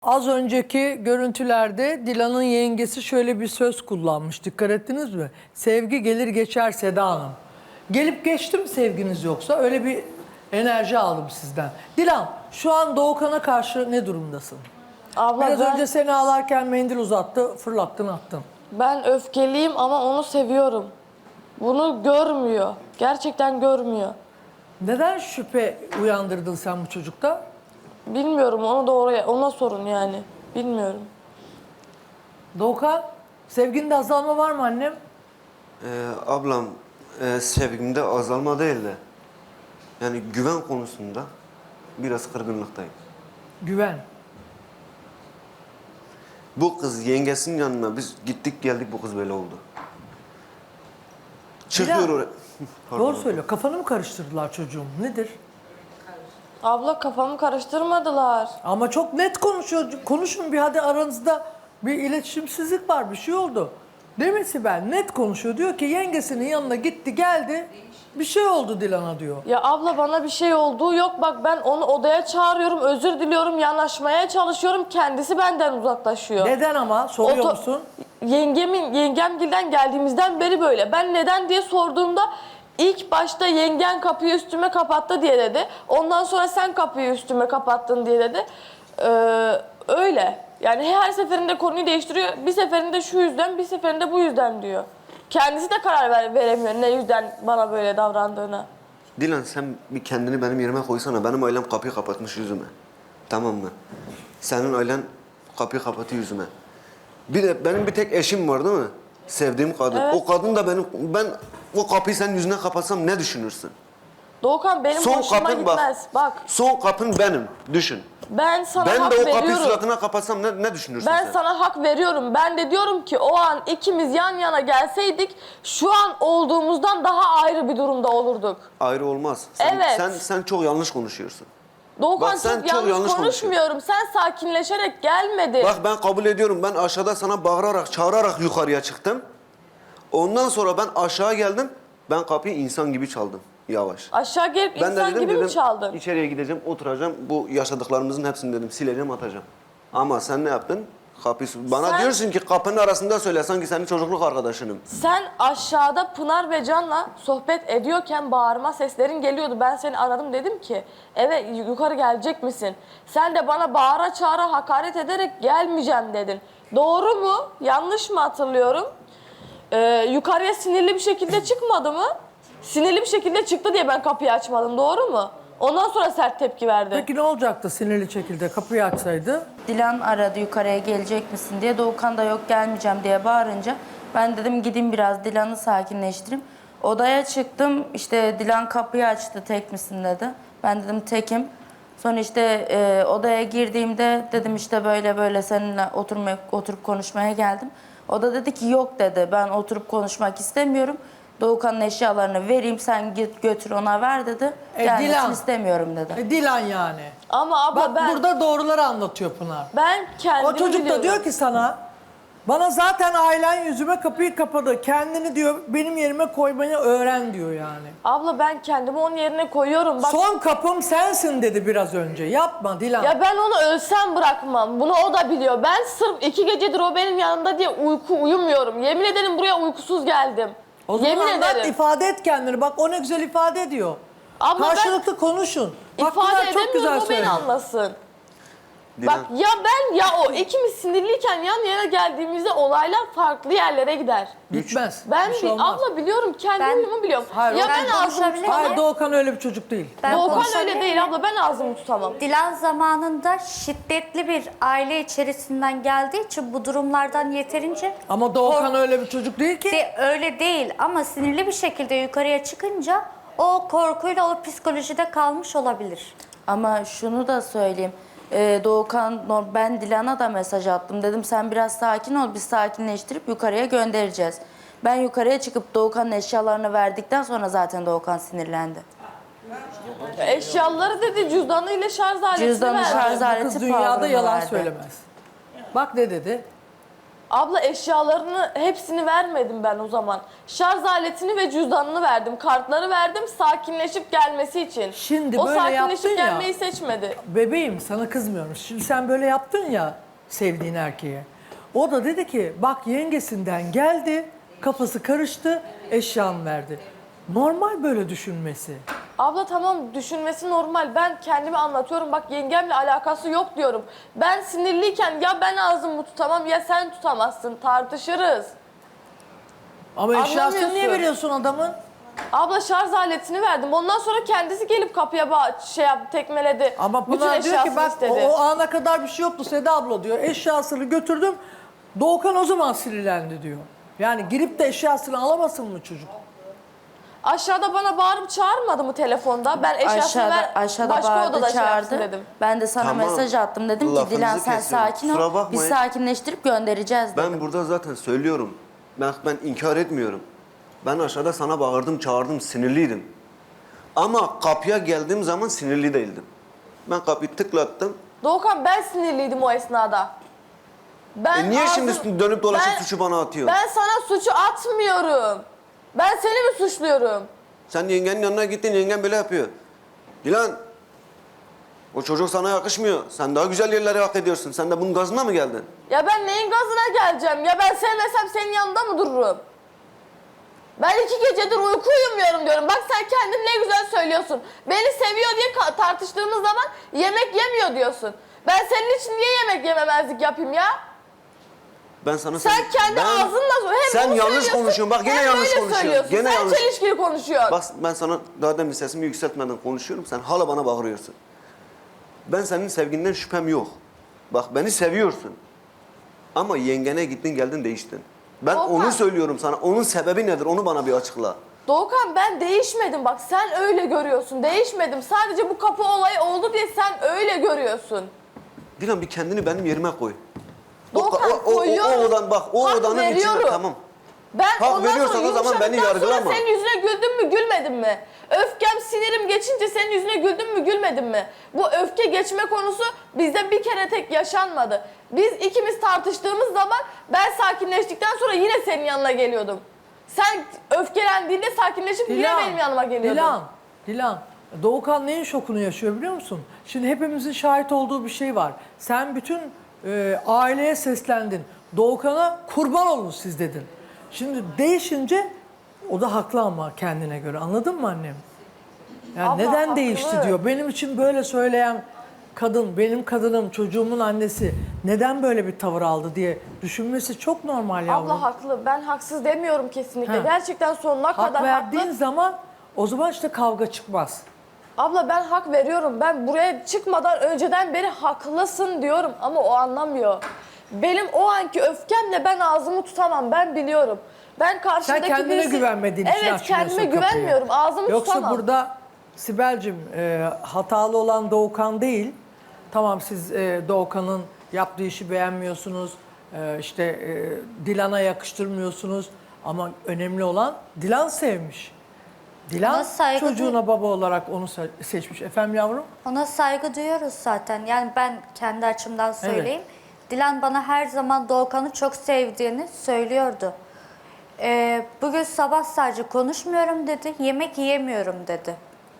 Az önceki görüntülerde Dilan'ın yengesi şöyle bir söz kullanmış. Dikkat ettiniz mi? Sevgi gelir geçer Seda Hanım. Gelip geçti mi sevginiz yoksa? Öyle bir enerji aldım sizden. Dilan, şu an Doğukan'a karşı ne durumdasın? Abla Biraz önce seni ağlarken mendil uzattı, fırlattın attın. ben öfkeliyim ama onu seviyorum. Bunu görmüyor. Gerçekten görmüyor. Neden şüphe uyandırdın sen bu çocukta? Bilmiyorum, onu da ona sorun yani. Bilmiyorum. Doğukan, sevginde azalma var mı annem? Ablam sevgimde azalma değil de yani güven konusunda biraz kırgınlıktayım. Güven. Bu kız yengesinin yanına biz gittik geldik bu kız böyle oldu. Çıkıyor Bilal, oraya. Doğru söylüyor. Kafanı mı karıştırdılar çocuğum? Nedir? Abla kafamı karıştırmadılar. Ama çok net konuşuyor. Konuşun bir, hadi aranızda bir iletişimsizlik var, bir şey oldu. Değil mi Sibel? Net konuşuyor. Diyor ki yengesinin yanına gitti geldi. Bir şey oldu Dilan'a diyor. Ya abla bana bir şey olduğu yok. Bak ben onu odaya çağırıyorum, özür diliyorum, yanaşmaya çalışıyorum. Kendisi benden uzaklaşıyor. Neden ama? Soruyor musun? Yengemgilden geldiğimizden beri böyle. Ben neden diye sorduğumda ilk başta yengen kapıyı üstüme kapattı diye dedi. Ondan sonra sen kapıyı üstüme kapattın diye dedi. Öyle. Yani her seferinde konuyu değiştiriyor. Bir seferinde şu yüzden, bir seferinde bu yüzden diyor. Kendisi de karar veremiyor ne yüzden bana böyle davrandığına. Dilan sen bir kendini benim yerime koysana. Benim ailem kapıyı kapatmış yüzüme. Tamam mı? Senin ailen kapıyı kapatıyor yüzüme. Bir de benim bir tek eşim var değil mi? Sevdiğim kadın. Evet. O kadın da ben o kapıyı senin yüzüne kapatsam ne düşünürsün? Doğukan benim Son hoşuma kapın gitmez. Bak Son kapın benim. Düşün. ben sana Ben hak de o veriyorum. kapıyı suratına kapatsam ne düşünürsün Ben sen? sana hak veriyorum. Ben de diyorum ki o an ikimiz yan yana gelseydik şu an olduğumuzdan daha ayrı bir durumda olurduk. Ayrı olmaz. Evet. Sen çok yanlış konuşuyorsun. Doğukan Bak sen çok çok yanlış yanlış konuşmuyorum. Sen sakinleşerek gelmedin. Bak ben kabul ediyorum. Ben aşağıda sana bağırarak, çağırarak yukarıya çıktım. Ondan sonra ben aşağı geldim. Ben kapıyı insan gibi çaldım. Yavaş. Aşağı gelip Ben de insan dedim, gibi mi çaldın? içeriye gideceğim, oturacağım. Bu yaşadıklarımızın hepsini dedim sileceğim, atacağım. Ama sen ne yaptın? Bana Sen- diyorsun ki kapının arasında söyle sanki senin çocukluk arkadaşınım. Sen aşağıda Pınar ve Can'la sohbet ediyorken bağırma seslerin geliyordu. Ben seni aradım dedim ki eve yukarı gelecek misin? Sen de bana bağıra çağıra hakaret ederek gelmeyeceğim dedin. Doğru mu? Yanlış mı hatırlıyorum? Yukarıya sinirli bir şekilde çıkmadı mı? Sinirli bir şekilde çıktı diye ben kapıyı açmadım. Doğru mu? Ondan sonra sert tepki verdi. Peki ne olacaktı sinirli şekilde kapıyı açsaydı? Dilan aradı yukarıya gelecek misin diye. Doğukan da yok gelmeyeceğim diye bağırınca ben dedim gideyim biraz Dilan'ı sakinleştireyim. Odaya çıktım işte Dilan kapıyı açtı tek misin dedi. Ben dedim tekim. Sonra işte odaya girdiğimde dedim işte böyle böyle seninle oturup konuşmaya geldim. O da dedi ki yok dedi ben oturup konuşmak istemiyorum. Doğukan'ın eşyalarını vereyim sen git götür ona ver dedi. Gelmesini Dilan. istemiyorum dedi. Dilan yani. Ama abla Bak burada doğruları anlatıyor Pınar. ben kendimi O çocuk da biliyorum. diyor ki sana, bana zaten ailen yüzüme kapıyı kapadı. Kendini diyor benim yerime koymayı öğren diyor yani. Abla ben kendimi onun yerine koyuyorum. Bak Son kapım sensin dedi biraz önce. Yapma Dilan. ya ben onu ölsem bırakmam. Bunu o da biliyor. Ben sırf 2 gecedir o benim yanında diye uyumuyorum. Yemin ederim buraya uykusuz geldim. O zaman Yemin anlat, ederim. ifade et kendini. Bak o ne güzel ifade ediyor. Ama Karşılıklı konuşun. Bak İfade Pınar çok güzel edemiyorum o beni söyledi. anlasın. Dilan, Bak ya ben ya o ikimiz sinirliyken yan yana geldiğimizde olaylar farklı yerlere gider. Gitmez. Ben Bir şey olmaz. abla biliyorum kendi Ben- huyumu biliyorum. Hayır, ya o- ben Ben ağzımı konuşabilir tutamam. Hayır Doğukan öyle bir çocuk değil. Ben Doğukan konuşabilir öyle değil miyim? abla ben ağzımı tutamam. Dilan zamanında şiddetli bir aile içerisinden geldiği için bu durumlardan yeterince Ama Doğukan öyle bir çocuk değil ki. öyle değil ama sinirli bir şekilde yukarıya çıkınca o korkuyla o psikolojide kalmış olabilir. Ama şunu da söyleyeyim. Doğukan, ben Dilan'a da mesaj attım. Dedim sen biraz sakin ol, biz sakinleştirip yukarıya göndereceğiz. Ben yukarıya çıkıp Doğukan'ın eşyalarını verdikten sonra zaten Doğukan sinirlendi. Eşyaları dedi cüzdanıyla şarj aletini Cüzdanı verdi. şarj Bu aleti kız dünyada power'ını yalan verdi. söylemez. Bak ne dedi? Abla eşyalarını hepsini vermedim ben o zaman. Şarj aletini ve cüzdanını verdim. Kartları verdim sakinleşip gelmesi için. Şimdi o böyle sakinleşip yaptın ya. gelmeyi seçmedi. Bebeğim sana kızmıyorum. Şimdi sen böyle yaptın ya sevdiğin erkeğe. O da dedi ki bak yengesinden geldi, kafası karıştı, eşyamı verdi. Normal böyle düşünmesi. Abla tamam düşünmesi normal. Ben kendimi anlatıyorum. Bak yengemle alakası yok diyorum. Ben sinirliyken ya ben ağzımı tutamam ya sen tutamazsın. Tartışırız. Ama eşyasını niye Anlamıyorsun. veriyorsun adamın? Abla şarj aletini verdim. Ondan sonra kendisi gelip kapıya tekmeledi. Ama Bütün Pınar diyor ki eşyasını bak istedi. o ana kadar bir şey yoktu Seda abla diyor. Eşyasını götürdüm. Doğukan o zaman sinirlendi diyor. Yani girip de eşyasını alamasın mı çocuk? Aşağıda bana bağırıp çağırmadı mı telefonda? Ben eşyasını Aşağıda başka bağırdı, odada şey yapsın çağırdı. dedim. Ben de sana Tamam. mesaj attım. Dedim ki Lafınızı Dilan sen kesiyorum. sakin Kusura ol. bakmayın. Biz sakinleştirip göndereceğiz dedim. Ben burada zaten söylüyorum. Ben inkar etmiyorum. Ben aşağıda sana bağırdım, çağırdım, sinirliydim. Ama kapıya geldiğim zaman sinirli değildim. Ben kapıyı tıklattım. Doğukan ben sinirliydim o esnada. Ben Niye ağzım- şimdi dönüp dolaşıp Ben- suçu bana atıyorsun? Ben sana suçu atmıyorum. Ben seni mi suçluyorum? Sen yengenin yanına gittin, yengen böyle yapıyor. Dilan, o çocuk sana yakışmıyor. Sen daha güzel yerlere hak ediyorsun. Sen de bunun gazına mı geldin? Ya ben neyin gazına geleceğim? Ya ben sevmesem senin yanında mı dururum? Ben 2 gecedir uyku uyumuyorum diyorum. Bak sen kendin ne güzel söylüyorsun. Beni seviyor diye tartıştığımız zaman yemek yemiyor diyorsun. Ben senin için niye yemek yememezlik yapayım ya? Ben sana Sen kendi ağzınla hem Sen bunu yanlış söylüyorsun, konuşuyorsun. Bak yine hem yanlış böyle konuşuyorsun. söylüyorsun. Gene Sen yanlış. çelişkili konuşuyorsun. Bak ben sana daha demin sesimi yükseltmeden konuşuyorum. Sen hala bana bağırıyorsun. Ben senin sevginden şüphem yok. Bak beni seviyorsun. Ama yengene gittin geldin değiştin. Ben Volkan. onu söylüyorum sana. Onun sebebi nedir? Onu bana bir açıkla. Doğukan ben değişmedim bak sen öyle görüyorsun. Değişmedim. Sadece bu kapı olayı oldu diye sen öyle görüyorsun. Dilan bir kendini benim yerime koy. Doğukan, koyuyorum. O Hak odanın veriyorum. içinde tamam. Ben Hak ondan veriyorsan sonra o zaman beni yumuşadıktan sonra yargılama. senin yüzüne güldüm mü gülmedim mi? Öfkem sinirim geçince senin yüzüne güldüm mü gülmedim mi? Bu öfke geçme konusu bizde bir kere tek yaşanmadı. Biz ikimiz tartıştığımız zaman ben sakinleştikten sonra yine senin yanına geliyordum. Sen öfkelendiğinde sakinleşip yine benim yanıma geliyordun. Dilan. Doğukan neyin şokunu yaşıyor biliyor musun? Şimdi hepimizin şahit olduğu bir şey var. Sen bütün aileye seslendin. Doğukan'a kurban olun siz dedin. Şimdi değişince o da haklı ama kendine göre. Anladın mı annem? Yani Abla, neden haklı. değişti diyor. Benim için böyle söyleyen kadın, benim kadınım, çocuğumun annesi neden böyle bir tavır aldı diye düşünmesi çok normal yavrum. Abla haklı. Ben haksız demiyorum kesinlikle. Ha. Gerçekten sonuna Hak kadar verdiğin haklı. zaman o zaman işte kavga çıkmaz. Abla ben hak veriyorum. Ben buraya çıkmadan önceden beri haklısın diyorum ama o anlamıyor. Benim o anki öfkemle ben ağzımı tutamam. Ben biliyorum. Ben karşımdaki Sen kendine güvenmediğin için Evet açmıyorsun kendime kapıyı. güvenmiyorum. Ağzımı Yoksa tutamam. burada Sibel'cim hatalı olan Doğukan değil. Tamam siz Doğukan'ın yaptığı işi beğenmiyorsunuz. Dilan'a yakıştırmıyorsunuz. Ama önemli olan Dilan sevmiş. Dilan Ona saygı çocuğuna baba olarak onu seçmiş. Efendim yavrum? Ona saygı duyuyoruz zaten. Yani ben kendi açımdan söyleyeyim. Dilan bana her zaman Doğukan'ı çok sevdiğini söylüyordu. Bugün sabah sadece konuşmuyorum dedi. Yemek yiyemiyorum dedi.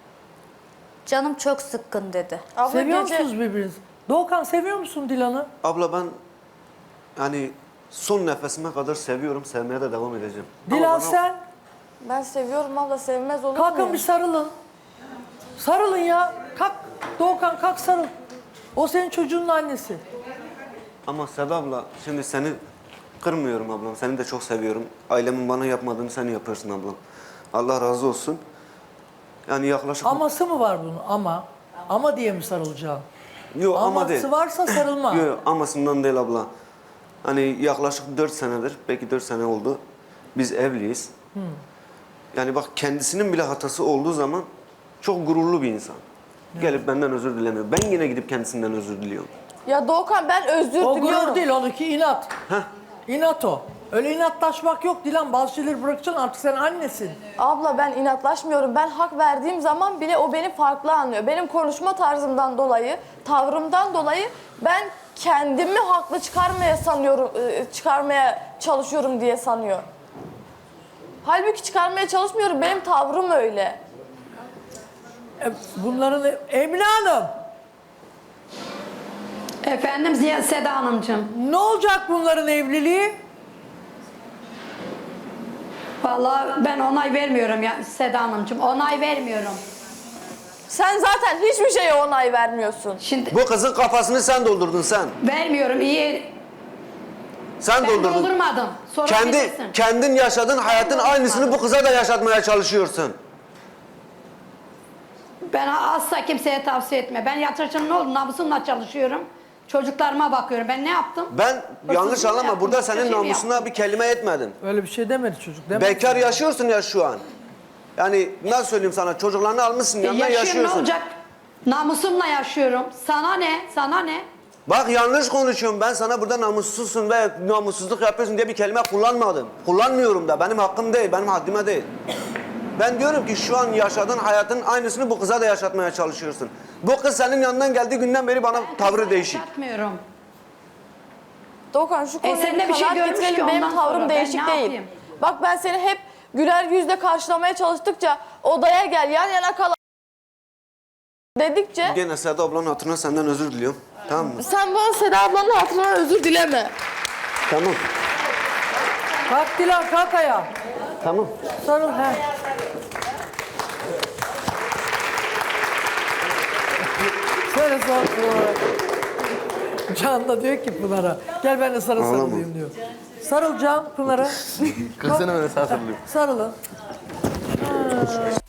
Canım çok sıkkın dedi. Abla Seviyor gece- musunuz birbirinizi? Doğukan seviyor musun Dilan'ı? Abla ben yani son nefesime kadar seviyorum. Sevmeye de devam edeceğim. Ama Dilan bana- sen? Ben seviyorum abla sevmez olur Kalkın muyum? bir sarılın. Sarılın ya. Kalk. Doğukan kalk sarıl. O senin çocuğunun annesi. Ama Seda abla şimdi seni kırmıyorum ablam. Seni de çok seviyorum. Ailemin bana yapmadığını sen yapıyorsun ablam. Allah razı olsun. Yani yaklaşık... Aması mı var bunun? Ama diye mi sarılacaksın? Yok ama değil. Aması varsa sarılma. Yok amasından değil abla. Hani yaklaşık 4 senedir, belki 4 sene oldu. Biz evliyiz. Yani bak kendisinin bile hatası olduğu zaman çok gururlu bir insan. Gelip benden özür dilemiyor. Ben yine gidip kendisinden özür diliyorum. Ya Doğukan ben özür O diliyorum. gurur değil, onunki inat. İnat o. Öyle inatlaşmak yok Dilan. Bazı şeyleri bırakacaksın, artık sen annesin. Abla ben inatlaşmıyorum. Ben hak verdiğim zaman bile o beni farklı anlıyor. Benim konuşma tarzımdan dolayı, tavrımdan dolayı ben kendimi haklı çıkarmaya çalışıyorum diye sanıyor. Halbuki çıkarmaya çalışmıyorum. Benim tavrım öyle. Bunların Emine Hanım, Efendim Seda Hanımcığım. ne olacak bunların evliliği? Vallahi ben onay vermiyorum ya Seda Hanımcığım. Onay vermiyorum. Sen zaten hiçbir şeye onay vermiyorsun. Şimdi Bu kızın kafasını sen doldurdun sen. vermiyorum iyi. Sen Ben doldurdun. doldurmadım. Sorabilirsin. Kendin yaşadığın hayatın aynısını bu kıza da yaşatmaya çalışıyorsun. Ben asla kimseye tavsiye etme. Ben yatırıcının ne oldu? Namusumla çalışıyorum. Çocuklarıma bakıyorum. Ben ne yaptım? Ben yanlış Hırsızlık anlama, yaptım, burada başka senin şey mi namusuna yaptım? bir kelime etmedim. Öyle bir şey demedi çocuk. Demedi. Bekar yaşıyorsun ya şu an. Yani nasıl söyleyeyim sana, çocuklarını almışsın yanına Yaşıyorum, yaşıyorsun. ne olacak? Namusumla yaşıyorum. Sana ne? Sana ne? Bak yanlış konuşuyorum, ben sana burada namussuzsun ve namussuzluk yapıyorsun diye bir kelime kullanmadım. Kullanmıyorum da, benim hakkım değil, benim haddime değil. Ben diyorum ki şu an yaşadığın hayatın aynısını bu kıza da yaşatmaya çalışıyorsun. Bu kız senin yanından geldiği günden beri bana tavrı değişik. Yapmıyorum. Doğukan şu konuya seninle bir bir şey kanaat görmüş getirelim. ki Benim ondan tavrım sonra ben değişik ne değil. yapayım? Bak ben seni hep güler yüzle karşılamaya çalıştıkça, odaya gel yan yana kal dedikçe Gene Seda ablanın hatırına senden özür diliyorum. Tamam mı? sen bana Seda ablanın hatırına özür dileme. Tamam. Kalk Dilan, kalk ayağa. Tamam. Sarıl. He. Şöyle sarıl Pınar'a. Can da diyor ki Pınar'a, gel ben de sana Ağlama. sarılayım diyor. Sarıl Can Pınar'a. Kız seni böyle sağ sarılıyor. Sarılın. Ha.